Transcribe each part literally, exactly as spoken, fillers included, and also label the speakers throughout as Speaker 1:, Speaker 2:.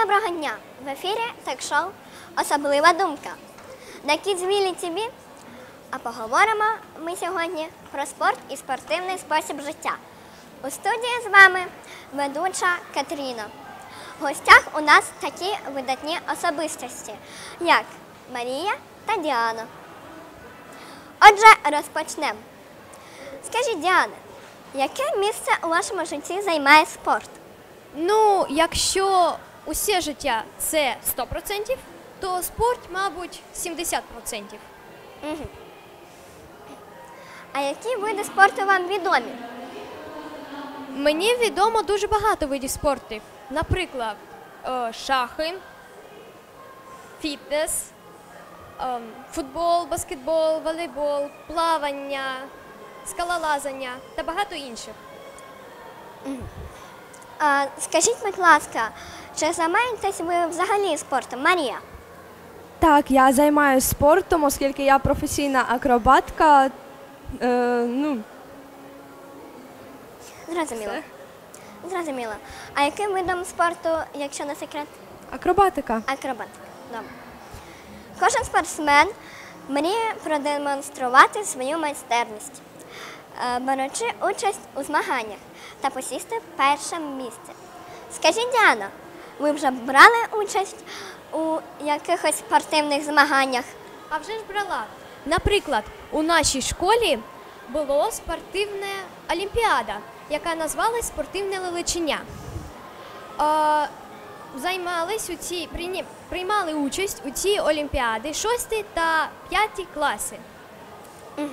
Speaker 1: доброго дня! В ефірі ток-шоу «Особлива думка» на Kids ті ві. А поговоримо ми сьогодні про спорт і спортивний спосіб життя. У студії з вами ведуча Катерина. В гостях у нас такі видатні особистості, як Марія та Діана. Отже, розпочнемо. Скажіть, Діана, яке місце у вашому житті займає спорт?
Speaker 2: Ну, якщо усе життя – це сто відсотків, то спорт, мабуть, сімдесят відсотків.
Speaker 1: Угу. А які види спорту вам відомі?
Speaker 2: Мені відомо дуже багато видів спорту. Наприклад, шахи, фітнес, футбол, баскетбол, волейбол, плавання, скалолазання та багато інших.
Speaker 1: Угу. А, скажіть, будь ласка, чи займаєтесь ви взагалі спортом, Марія?
Speaker 3: Так, я займаюся спортом, оскільки я професійна акробатка. Е, ну.
Speaker 1: Зрозуміло. Зрозуміло. А яким видом спорту, якщо не секрет?
Speaker 3: Акробатика.
Speaker 1: Акробатика. Добре. Кожен спортсмен мріє продемонструвати свою майстерність, беручи участь у змаганнях та посісти перше місце. Скажіть, Діана, ви вже брали участь у якихось спортивних змаганнях?
Speaker 2: А вже ж брала. Наприклад, у нашій школі була спортивна олімпіада, яка називалась «Спортивне лелечення». Е, займались у цій, приймали участь у цій олімпіаді шостий та п'ятий класи.
Speaker 1: Угу.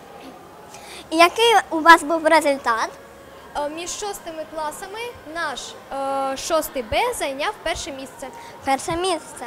Speaker 1: І який у вас був результат?
Speaker 2: Е, між шостими класами наш е, шостий Б зайняв перше місце.
Speaker 1: Перше місце.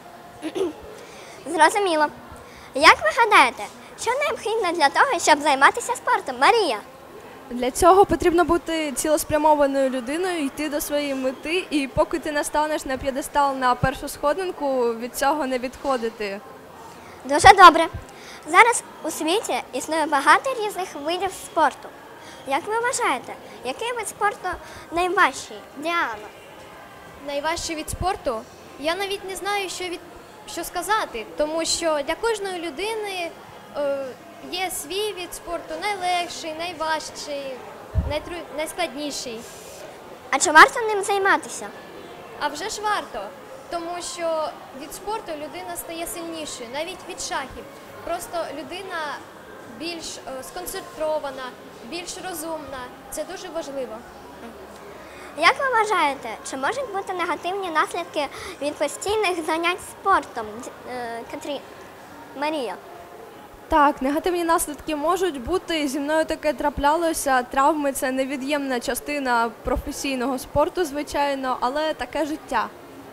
Speaker 1: Зрозуміло. Як ви гадаєте, що необхідно для того, щоб займатися спортом, Марія?
Speaker 3: Для цього потрібно бути цілеспрямованою людиною, йти до своєї мети, і поки ти не станеш на п'єдестал на першу сходинку, від цього не відходити.
Speaker 1: Дуже добре. Зараз у світі існує багато різних видів спорту. Як ви вважаєте, який вид спорту найважчий, Діана?
Speaker 2: Найважчий від спорту? Я навіть не знаю, що, від... що сказати, тому що для кожної людини е, є свій від спорту найлегший, найважчий, найтру... найскладніший.
Speaker 1: А чи варто ним займатися?
Speaker 2: А вже ж варто, тому що від спорту людина стає сильнішою, навіть від шахів. Просто людина більш е, сконцентрована, більш розумна. Це дуже важливо.
Speaker 1: Як ви вважаєте, чи можуть бути негативні наслідки від постійних занять спортом, Катрі... Марія?
Speaker 3: Так, негативні наслідки можуть бути. Зі мною таке траплялося. Травми – це невід'ємна частина професійного спорту, звичайно, але таке життя.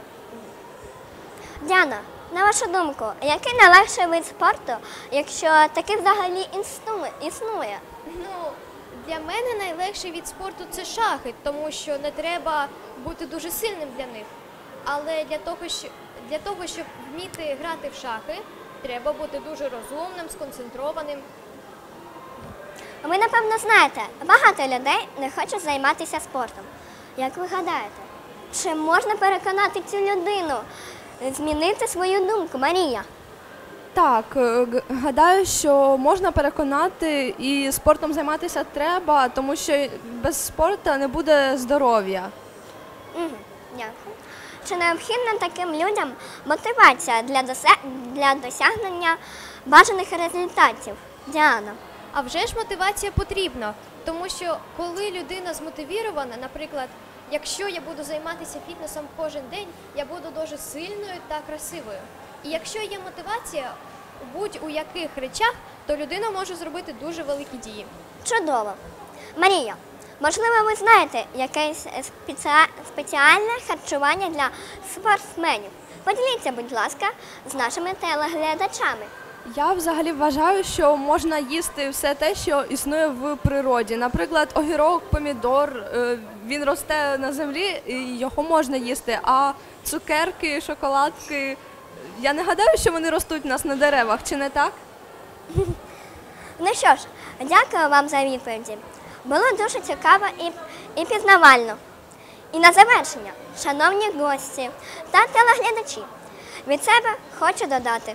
Speaker 1: Діана, на вашу думку, який найлегший вид спорту, якщо такий взагалі існує?
Speaker 2: Ну, для мене найлегший від спорту – це шахи, тому що не треба бути дуже сильним для них. Але для того, що, для того, щоб вміти грати в шахи, треба бути дуже розумним, сконцентрованим.
Speaker 1: Ви, напевно, знаєте, багато людей не хочуть займатися спортом. Як ви гадаєте, чи можна переконати цю людину змінити свою думку, Марія?
Speaker 3: Так, гадаю, що можна переконати, і спортом займатися треба, тому що без спорту не буде здоров'я.
Speaker 1: Угу, дякую. Чи необхідна таким людям мотивація для, дося... для досягнення бажаних результатів, Діана?
Speaker 2: А вже ж мотивація потрібна, тому що коли людина змотивірована, наприклад, якщо я буду займатися фітнесом кожен день, я буду дуже сильною та красивою. І якщо є мотивація у будь-у яких речах, то людина може зробити дуже великі дії.
Speaker 1: Чудово. Марія, можливо, ви знаєте якесь спеціа... спеціальне харчування для спортсменів? Поділіться, будь ласка, з нашими телеглядачами.
Speaker 3: Я взагалі вважаю, що можна їсти все те, що існує в природі. Наприклад, огірок, помідор, він росте на землі, і його можна їсти, а цукерки, шоколадки, я не гадаю, що вони ростуть у нас на деревах, чи не так?
Speaker 1: Ну що ж, дякую вам за відповіді. Було дуже цікаво і, і пізнавально. І на завершення, шановні гості та телеглядачі, від себе хочу додати.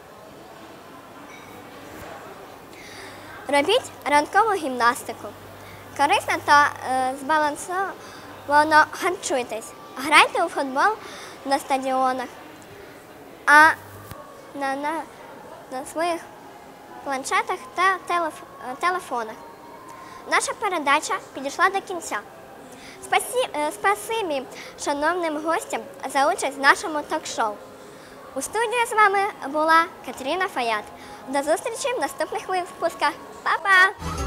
Speaker 1: Робіть ранкову гімнастику. Корисно та е, збалансовано харчуйтесь. Грайте у футбол на стадіонах, а на, на, на своїх планшетах та телеф, е, телефонах. Наша передача підійшла до кінця. Спасі, е, спасибі шановним гостям за участь в нашому ток-шоу. У студії з вами була Катерина Фаят. До зустрічі в наступних випусках. Па-па!